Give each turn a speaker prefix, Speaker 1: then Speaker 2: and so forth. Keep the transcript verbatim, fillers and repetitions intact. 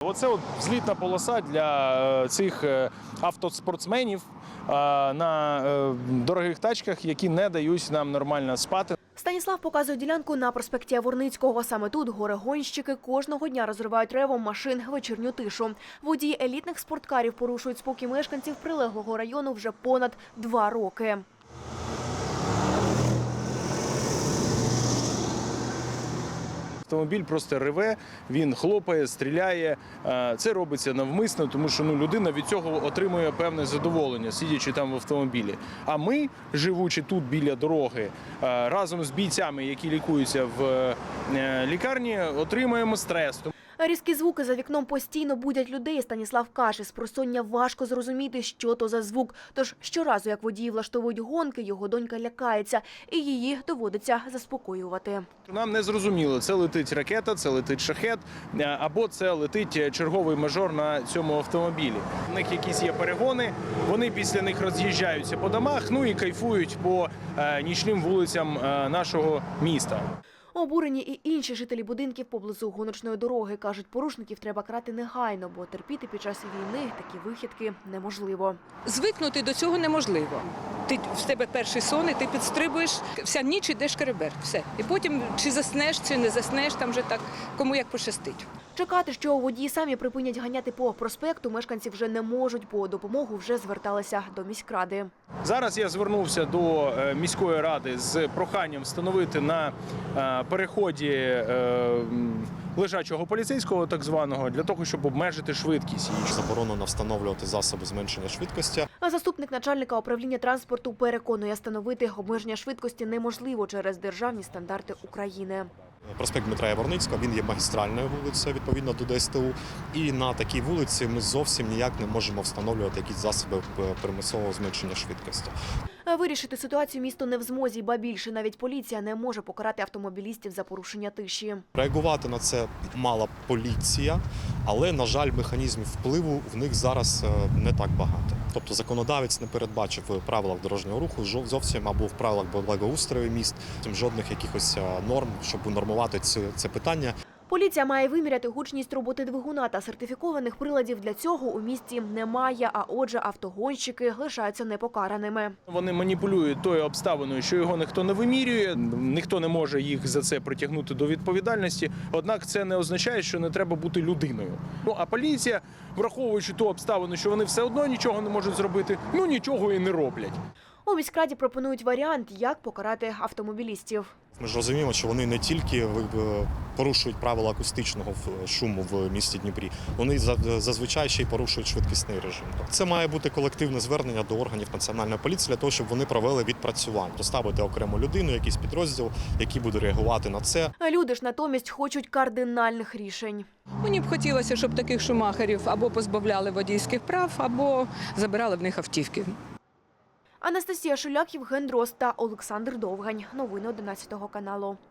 Speaker 1: Оце от злітна полоса для цих автоспортсменів на дорогих тачках, які не дають нам нормально спати.
Speaker 2: Станіслав показує ділянку на проспекті Яворницького. Саме тут горе-гонщики кожного дня розривають ревом машин вечірню тишу. Водії елітних спорткарів порушують спокій мешканців прилеглого району вже понад два роки.
Speaker 1: Автомобіль просто реве, він хлопає, стріляє. Це робиться навмисно, тому що ну, людина від цього отримує певне задоволення, сидячи там в автомобілі. А ми, живучи тут біля дороги, разом з бійцями, які лікуються в лікарні, отримуємо стрес.
Speaker 2: Різкі звуки за вікном постійно будять людей. Станіслав каже, з просоння важко зрозуміти, що то за звук. Тож щоразу, як водії влаштовують гонки, його донька лякається, і її доводиться заспокоювати.
Speaker 1: Нам не зрозуміло, це летить ракета, це летить шахет, або це летить черговий мажор на цьому автомобілі. У них якісь є перегони, вони після них роз'їжджаються по домах, ну і кайфують по нічним вулицям нашого міста.
Speaker 2: Обурені і інші жителі будинків поблизу гоночної дороги. Кажуть, порушників треба карати негайно, бо терпіти під час війни такі вихідки неможливо.
Speaker 3: Звикнути до цього неможливо. Ти, в тебе перший сон, і ти підстрибуєш, вся ніч ідеш шкереберть, все. І потім чи заснеш, чи не заснеш, там вже так, кому як пощастить.
Speaker 2: Чекати, що водії самі припинять ганяти по проспекту, мешканці вже не можуть, по допомогу вже зверталися до міськради.
Speaker 1: Зараз я звернувся до міської ради з проханням встановити на переході лежачого поліцейського, так званого, для того, щоб обмежити швидкість.
Speaker 4: Заборонено встановлювати засоби зменшення швидкості.
Speaker 2: А заступник начальника управління транспорту переконує, встановити обмеження швидкості неможливо через державні стандарти України.
Speaker 4: Проспект Дмитра Яворницького, він є магістральною вулицею, відповідно до Д С Т У. І на такій вулиці ми зовсім ніяк не можемо встановлювати якісь засоби примусового зменшення швидкості.
Speaker 2: Вирішити ситуацію місто не в змозі, ба більше навіть поліція не може покарати автомобілістів за порушення тиші.
Speaker 4: Реагувати на це мала поліція, але, на жаль, механізмів впливу в них зараз не так багато. Тобто законодавець не передбачив в правилах дорожнього руху зовсім або в правилах благоустрою міст жодних якихось норм, щоб унормувати це, це питання.
Speaker 2: Поліція має виміряти гучність роботи двигуна, та сертифікованих приладів для цього у місті немає, а отже автогонщики лишаються непокараними.
Speaker 1: Вони маніпулюють тою обставиною, що його ніхто не вимірює, ніхто не може їх за це притягнути до відповідальності, однак це не означає, що не треба бути людиною. Ну, а поліція, враховуючи ту обставину, що вони все одно нічого не можуть зробити, ну нічого і не роблять.
Speaker 2: У міськраді пропонують варіант, як покарати автомобілістів.
Speaker 4: Ми ж розуміємо, що вони не тільки порушують правила акустичного шуму в місті Дніпрі, вони зазвичай ще й порушують швидкісний режим. Це має бути колективне звернення до органів національної поліції для того, щоб вони провели відпрацювання. Доставити окрему людину, якийсь підрозділ, який буде реагувати на це.
Speaker 2: Люди ж натомість хочуть кардинальних рішень.
Speaker 3: Мені б хотілося, щоб таких шумахерів або позбавляли водійських прав, або забирали в них автівки.
Speaker 2: Анастасія Шуляк, Євген Дрозд та Олександр Довгань. Новини одинадцятого каналу.